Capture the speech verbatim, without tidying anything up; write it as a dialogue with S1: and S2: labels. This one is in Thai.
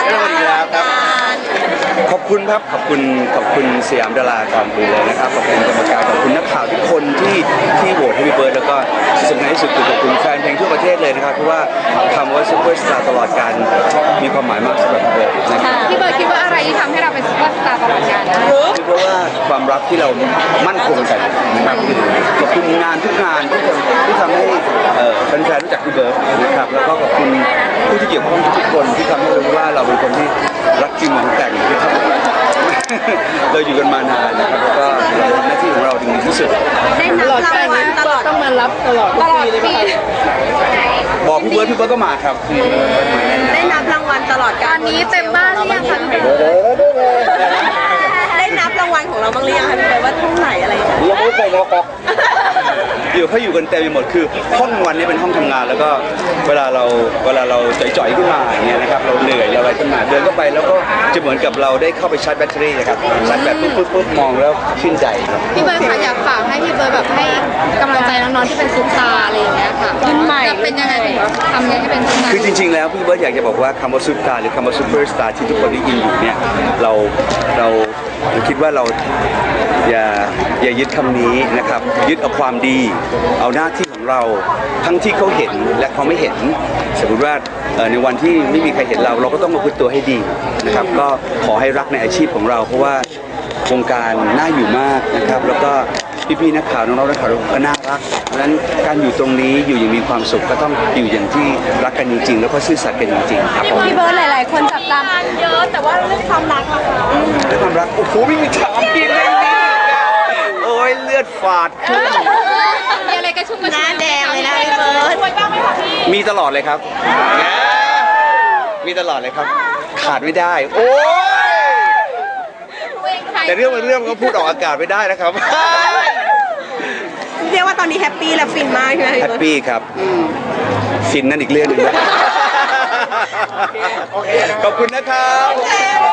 S1: สวัสดีครับครับขอบคุณครับขอบคุณขอบคุณสยามดาราก่อนอื่นเลยนะครับขอบคุณกรรมการขอบคุณนักข่าวทุกคนที่ที่โหวตให้พี่เบิร์ดแล้วก็ที่สำคัญที่สุดคือขอบคุณแฟนเพลงทั่วประเทศเลยนะครับเพราะว่าคำว่าซุปเปอร์สตาร์ตลอดการมีความหมายมากสำหรับพี่เบิร์ดนะครับ
S2: พี่เบิร์ดคิดว่าอะไรที่ทำให้เราเป็นซุปเปอร์สตาร์ตลอดกาลได้
S1: เพราะว่าความรักที่เรามั่นคงกันนะครับขอบคุณงานทุกงานที่ทำที่ทำให้แฟนๆรู้จักพี่เบิร์ดนะครับแล้วก็ขอบคุณผู้ที่เกี่ยวข้องทุกคนที่ทำให้รู้ว่าเราเป็นคนที่รักจริงหวังแต่งที่ทำเราอยู่กันมานานนะครับแล้วก็เราทำหน้าที่ของเราถึงที่สุด
S2: ได้นับรางวัลตลอดต้องมารับตลอดตลอดปี
S1: บอกพี่เบิร์ดพี่เบิร์ดก็มาครับ
S2: ได้นับรางวัลตลอดการนี้เต็มบ้านหรือยังคะพี่เบิร์ดได้นับรางวัลของเราบ้างหรือยังคะพี่เบิร์ดว่าเท่าไหร่อะไรอย่างเงี้ย
S1: ยังไม่เคยนะครับอยู่เขาอยู่กันเต็มไปหมดคือห้องวันนี้เป็นห้องทำงานแล้วก็เวลาเราเวลาเราจ่อยๆขึ้นมาอย่างเงี้ยนะครับเราเหนื่อยเราอะไรขึ้นมาเดินเข้าไปแล้วก็จะเหมือนกับเราได้เข้าไปชาร์จแบตเตอรี่นะครับชาร์จแบตปุ๊บปุ๊บปุ๊บมองแล้วชื่นใจครับ
S2: พี่เบิร์ดคะอยากฝากให้พี่เบิร์ดแบบให้กำลังใจน้องๆที่เป็นซุปตาร์อะไรอย่างเงี้ยค่ะขึ้นใหม่เป็นยังไงทำยังไงให้เป็นซุปตาร์
S1: คือจริงๆแล้วพี่เบิร์ดอยากจะบอกว่าคำว่าซุปตาร์หรือคำว่าซูเปอร์สตาร์ที่ทุกคนได้ยินอยู่เนี่ยเราเราคิดว่าเราอย่าอย่ายึดคำนี้นะครับยึดเอาความดีเอาหน้าที่ของเราทั้งที่เขาเห็นและเขาไม่เห็นสมมติว่าในวันที่ไม่มีใครเห็นเราเราก็ต้องมาพึ่งตัวให้ดีนะครับก็ขอให้รักในอาชีพของเราเพราะว่าวงการน่าอยู่มากนะครับแล้วก็พี่ๆนักข่าวน้องๆนักข่าวก็น่ารักเพราะฉะนั้นการอยู่ตรงนี้อยู่อย่างมีความสุขก็ต้องอยู่อย่างที่รักกันจริงๆแล้วก็ซื่อสัตย์กันจริงๆครับ
S2: พี่เบิร์ดหลายๆคนจับตามเยอะแต่ว่าเรื่องความรักล่ะคะ
S1: เรื่องความรักโอ้โหไม่มีถามกินเลยนี่โอ้ยเลือดฝาดขึ้น
S2: มีอะไรกระชุ่มกระชวยหน้าแดงเลยนะพี่เบิร์ดช่วยบ้างไหมคะพี่
S1: มีตลอดเลยครับมีตลอดเลยครับขาดไม่ได้โอ้ยแต่เรื่องมันเรื่องก็พูดออกอากาศไม่ได้นะครับ
S2: เรียกว่าตอนนี้แฮปปี้และฟินมากใช่ไหม
S1: แฮปปี้ครับฟินนั่นอีกเรื่องหนึ่งนะขอบคุณนะครับ